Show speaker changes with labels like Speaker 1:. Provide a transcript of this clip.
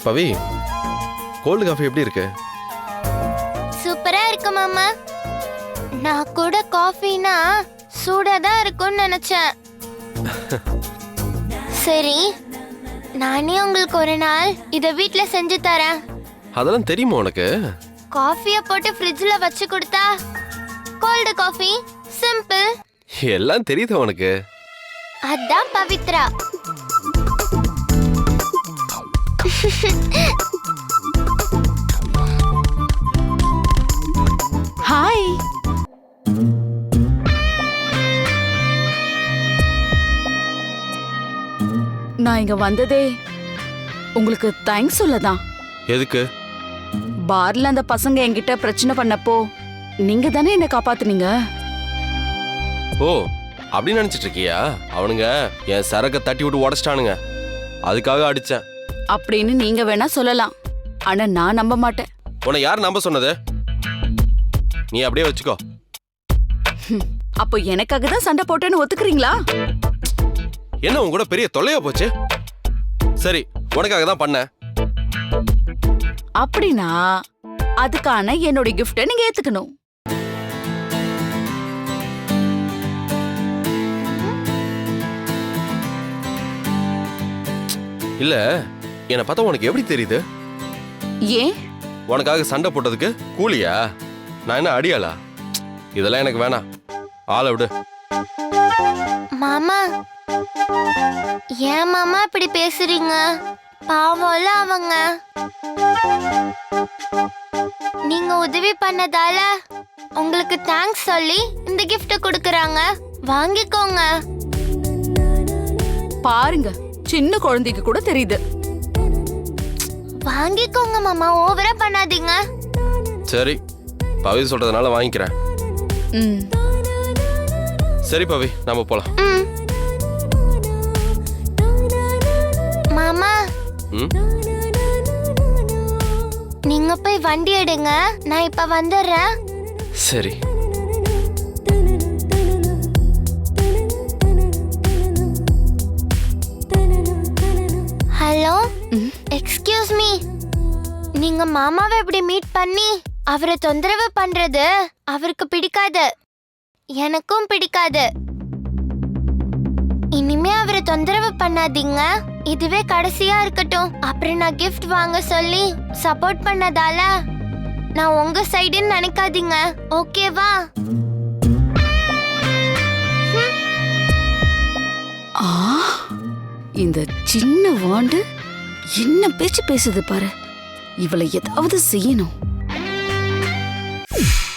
Speaker 1: பவி, cold coffee எப்படி இருக்கு?
Speaker 2: சூப்பரா இருக்கு மாமா. நான் கூட காஃபினா சூடா தான் இருக்கும்னு நினைச்சேன். சரி, நானே உங்களுக்கு ஒரு நாள் இத வீட்ல செஞ்சு தரேன்.
Speaker 1: அதெல்லாம் தெரியுமா உனக்கு?
Speaker 2: காஃபிய போட்டு ஃப்ரிட்ஜ்ல வச்சு கொடுத்தா கோல்டு காஃபி, சிம்பிள்.
Speaker 1: எல்லாம் தெரியுது உனக்கு.
Speaker 2: அதான் பவித்ரா.
Speaker 3: ஹாய். நான் இங்க வந்ததே உங்களுக்கு தேங்க்ஸ் சொல்லதான்.
Speaker 1: எதுக்கு?
Speaker 3: பார்ல அந்த பசங்க என்கிட்ட பிரச்சனை பண்ணப்போ நீங்க தானே என்ன காப்பாத்துனீங்க.
Speaker 1: ஓ, அப்படி நினைச்சிட்டு இருக்கியா? அவனுங்க என் சரக்க தட்டி விட்டு உடச்சிட்டானுங்க, அதுக்காக அடிச்சேன்
Speaker 3: அப்படின்னு நீங்க வேணா சொல்லலாம், ஆனா நான் நம்ப மாட்டேன்.
Speaker 1: உன்னை யார் நம்ப சொன்னது? நீ அப்படியே வச்சுக்கோ.
Speaker 3: அப்போ எனக்காக தான் சண்டை போட்டேன்னு ஒத்துக்கிறீங்களா?
Speaker 1: என்ன உன் கூட பெரிய தொல்லையா போச்சு? சரி, உனக்காக தான் பண்ண.
Speaker 3: அப்படின்னா அதுக்கான என்னோட கிஃப்ட நீங்க ஏத்துக்கணும்.
Speaker 1: இல்ல, என்னை பார்த்தா உனக்கு எப்படி தெரியுது?
Speaker 3: ஏன்?
Speaker 1: உனக்காக சண்டை போட்டதுக்கு கூலியா? நான் என்ன அடியாளா? இதெல்லாம் எனக்கு வேணாம், ஆளை விடு.
Speaker 2: மாமா, ஏன் மாமா இப்படி பேசுறீங்க? பாவம்ல அவங்க. நீங்க உதவி பண்ணதால உங்களுக்கு தேங்க்ஸ் சொல்லி இந்த gift கொடுக்கறாங்க, வாங்கிக்கோங்க.
Speaker 3: பாருங்க, சின்ன குழந்தைக்கு கூட தெரியுது.
Speaker 2: வாங்கிக்கோங்க மாமா, ஓவரா பண்ணாதீங்க.
Speaker 1: சரி, பவி சொல்றதுனால வாங்கிக்கிறேன்.
Speaker 3: ம்.
Speaker 1: சரி பவி, நாம போலாம்.
Speaker 2: மாமா,
Speaker 1: ம்,
Speaker 2: நீங்க போய் வண்டி எடுங்க, நான் இப்ப வந்துடுறேன்.
Speaker 1: சரி.
Speaker 2: Hello, excuse me. நீங்க மாமாவை இப்படி மீட் பண்ணி அவரை தொந்தரவு பண்றது அவருக்கு பிடிக்காது, எனக்கும் பிடிக்காது. இனிமே அவரை தொந்தரவு பண்ணாதீங்க, இதுவே கடைசியா இருக்கட்டும். அப்புறம் நான் gift வாங்க சொல்லி சப்போர்ட் பண்ணதால நான் உங்க சைடுன்னு நினைக்காதீங்க, ஓகேவா?
Speaker 3: ஆ, இந்த சின்ன வாண்டு என்ன பேச்சு பேசுது பாரு. இவளை ஏதாவது செய்யணும்.